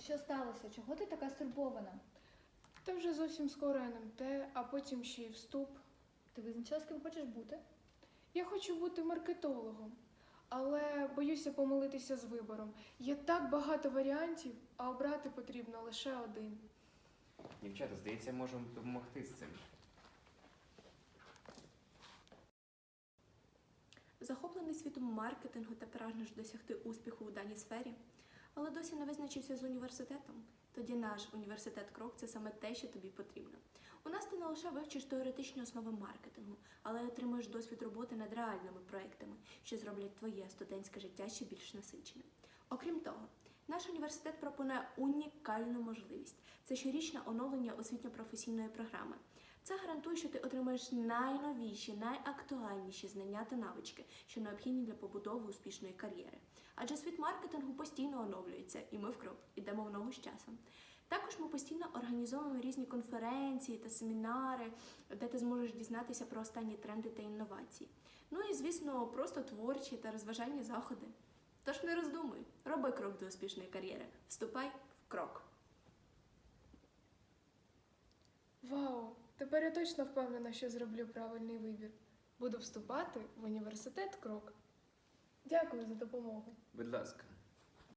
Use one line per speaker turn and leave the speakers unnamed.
Що сталося? Чого ти така стурбована?
Та вже зовсім скоро НМТ, а потім ще й вступ.
Ти визначила, з ким хочеш бути?
Я хочу бути маркетологом, але боюся помилитися з вибором. Є так багато варіантів, а обрати потрібно лише один.
Дівчата, здається, можемо допомогти з цим.
Захоплений світом маркетингу та прагнеш досягти успіху у даній сфері, але досі не визначився з університетом. Тоді наш університет Крок – це саме те, що тобі потрібно. У нас ти не лише вивчиш теоретичні основи маркетингу, але й отримаєш досвід роботи над реальними проектами, що зроблять твоє студентське життя ще більш насиченим. Окрім того, наш університет пропонує унікальну можливість – це щорічне оновлення освітньо-професійної програми. Це гарантує, що ти отримаєш найновіші, найактуальніші знання та навички, що необхідні для побудови успішної кар'єри. Адже світ маркетингу постійно оновлюється, і ми в крок ідемо в ногу з часом. Також ми постійно організовуємо різні конференції та семінари, де ти зможеш дізнатися про останні тренди та інновації. Ну і, звісно, просто творчі та розважальні заходи. Тож не роздумуй, роби крок до успішної кар'єри. Вступай в крок.
Вау! Тепер я точно впевнена, що зроблю правильний вибір. Буду вступати в університет Крок. Дякую за допомогу.
Будь ласка.